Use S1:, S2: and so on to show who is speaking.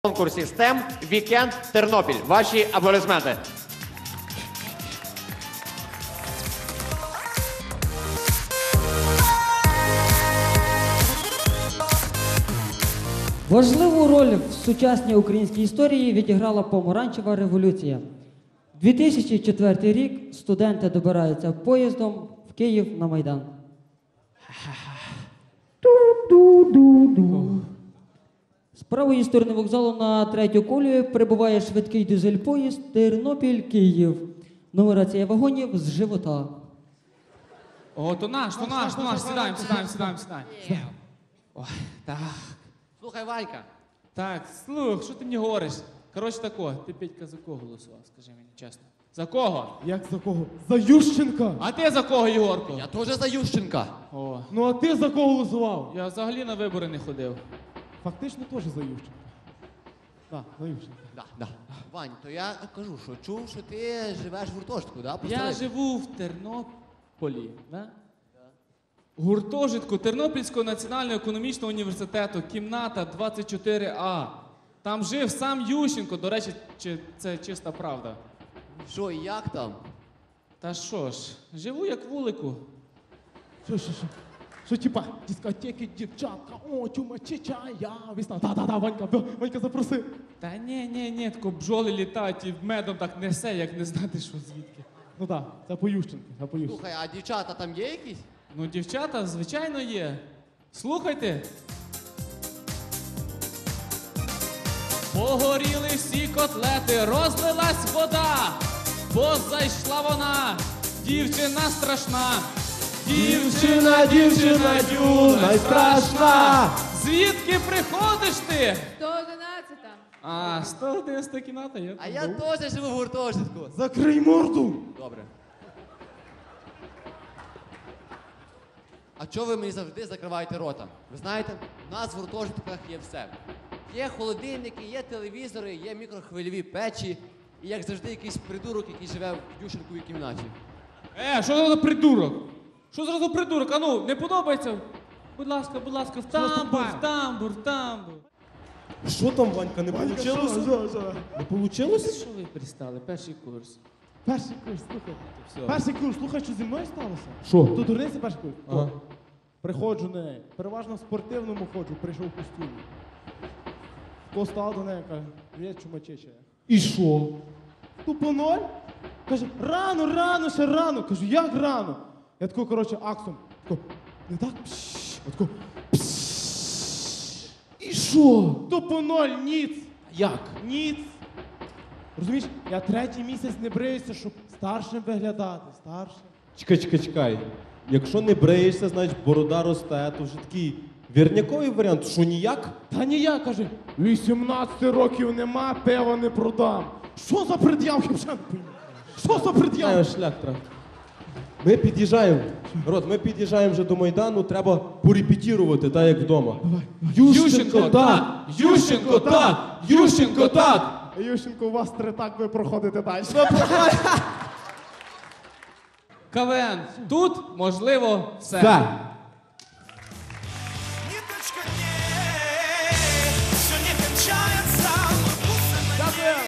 S1: конкурсі STEM «Вікенд Тернопіль». Ваші аплодисменти.
S2: Важливу роль в сучасній українській історії відіграла помаранчева революція. 2004 рік студенти добираються поїздом в Київ на Майдан. З правої сторони вокзалу на третю колію прибуває швидкий дизель-поїзд Тернопіль-Київ. Нумерація вагонів з живота.
S3: О, то наш. Сідаємо. Ой, так.
S1: Слухай, Ванька.
S3: Так, слух, що ти мені говориш? Коротше тако, ти, Петька, за кого голосував, скажи мені чесно. За кого?
S4: Як за кого? За Ющенка!
S3: А ти за кого, Єгорко?
S1: Я теж за Ющенка.
S3: О,
S4: Ну а ти за кого голосував?
S3: я взагалі на вибори не ходив.
S4: Фактично теж за Ющенка. Так, за Ющенка.
S1: Да. Вань, то я кажу, що чув, що ти живеш в гуртожитку, да?
S3: Я живу в Тернополі, да? Гуртожитку Тернопільського національного економічного університету, кімната 24А. Там жив сам Ющенко, до речі, це чиста правда.
S1: Що, і як там?
S3: Та що ж, живу як вулику.
S4: Що? Що типа, дискотеки, дівчатка, о, чума, чеча, я, весна. Да, Ванька запросив.
S3: Та ні, тако бджоли літають і медом так несе, як не знати, що звідки.
S4: Ну так, це по Ющенку,
S1: Слухай, а дівчата там є якісь?
S3: Ну, дівчата, звичайно, є. Слухайте. Погоріли всі котлети, розлилась вода, бо зайшла вона, дівчина страшна.
S4: Дівчина, юна й страшна.
S3: Звідки приходиш ти?
S5: 111-та.
S3: А, 111 кімната, я
S1: А я теж живу в гуртожитку.
S4: Закрий морду!
S1: Добре. А чого ви мені завжди закриваєте рота? Ви знаєте, у нас в гуртожитках є все. Є холодильники, є телевізори, є мікрохвильові печі. І як завжди якийсь придурок, який живе в Ющенковій кімнаті.
S3: Що за придурок? Що за придурок? Ану, не подобається? Будь ласка, в тамбур.
S6: Що там, Ванька, не получилося? Не получилося?
S3: Що ви пристали? Перший курс.
S4: Перший курс, слухай.
S3: Все.
S4: Перший курс, слухай, що зі мною сталося?
S6: Що?
S4: То дурниця перший курс.
S6: Ага.
S4: Приходжу до неї. Переважно в спортивному ходжу, прийшов в костюмі. Постав до неї, каже, привіт, чумачеча.
S6: І що?
S4: Тупо ноль. Каже, рано, ще рано. Кажу, як рано? Я тако, коротше, аксом. Тако, не так? Пшш. Я тако,
S6: І що?
S4: тупо ноль, ніц.
S6: Як?
S4: Ніц. Розумієш, я третій місяць не бриюся, щоб старшим виглядати. Старшим.
S6: Чекай. Якщо не бреєшся, значить борода росте, то вже такий вірняковий варіант, що ніяк?
S4: Та ніяк, каже, 18 років нема, пива не продам. Що за пред'явки, вже не пойму? Що за пред'явки?
S6: Шлях треба. Ми під'їжджаємо. Рот, ми під'їжджаємо вже до Майдану, треба порепетірувати, так як вдома.
S3: Ющенко, так! Ющенко, так!
S4: Ющенко, у вас три так, ви проходите далі.
S3: КВН. Тут можливо все.
S6: Все.